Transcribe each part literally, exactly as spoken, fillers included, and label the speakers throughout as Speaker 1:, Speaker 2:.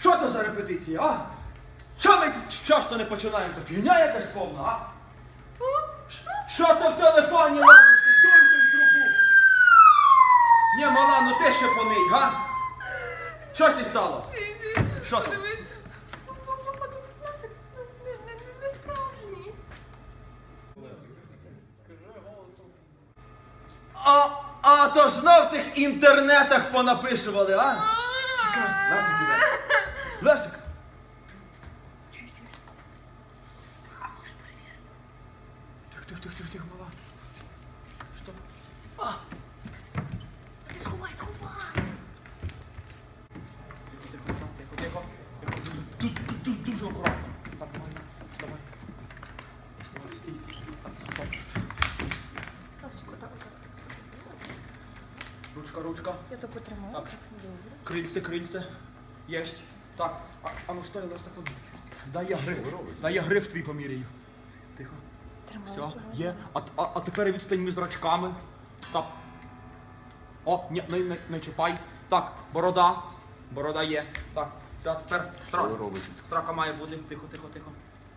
Speaker 1: Що то за репетиція, а? Що ми часто не починаємо? То фігня якась повна, а? Що ти в телефоні лазиш? Дуй ти в трубу. Ні, мала, ну ти ще поний, га? Що ж стало? Що там?
Speaker 2: Не справжній.
Speaker 1: А, а то знов в тих інтернетах понаписували, а? Чекай, Лесик іде. Лесик. Тихо, тихо, тихо, тихо, тихо, мала. Що? А!
Speaker 2: Ти сховай, сховай.
Speaker 1: Тихо, тихо, тихо, тихо, тихо. Тут, тут, тут дуже акуратно. Так, давай, вставай. Давай, стій. Так, так, так. Ручка, ручка.
Speaker 2: Я то потримаю.
Speaker 1: Так. Крильце, крильце. Єсть. Так. А, а ну стой, Леся, ходи. Дай я гриф. Дай я гриф твій поміряю. Тихо. Все, є. А, а, а тепер відстань між зрачками. Стоп. О, ні, не, не, не чіпай. Так, борода. Борода є. Так. Все, тепер срака. Срака має бути. Тихо, тихо, тихо.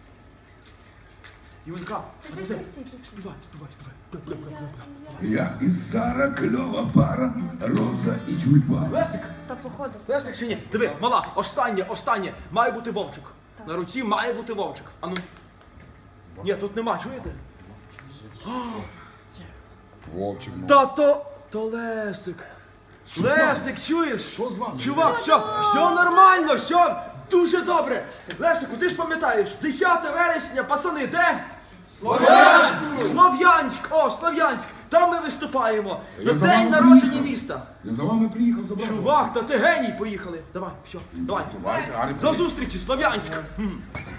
Speaker 1: Юнька, а ну де? Співай, співай, співай.
Speaker 3: Я і Сара, кльова пара, роза і тюльпан.
Speaker 1: Лесик!
Speaker 2: Та походу.
Speaker 1: Лесик чи ні? Диви, мала, останнє, останнє. Має бути вовчик.
Speaker 2: Так.
Speaker 1: На руці має бути вовчик. А ну. Ні, тут нема, чуєте?
Speaker 3: Вовчик, ну.
Speaker 1: Та то, то Лесик. Лесик, чуєш?
Speaker 3: Що з вами?
Speaker 1: Чувак, все, все нормально, все дуже добре. Лесику, ти ж пам'ятаєш, десяте вересня, пацани, де? Слов'янськ! Слов'янськ! О, Слов'янськ! Там ми виступаємо. На
Speaker 3: Я за
Speaker 1: день
Speaker 3: вами
Speaker 1: народження
Speaker 3: приїхав.
Speaker 1: міста.
Speaker 3: Я за вами приїхав забрати.
Speaker 1: Чувак, та ти геній, поїхали. Давай, все, давай.
Speaker 3: Давайте, Арі,
Speaker 1: До зустрічі, Слов'янськ! М.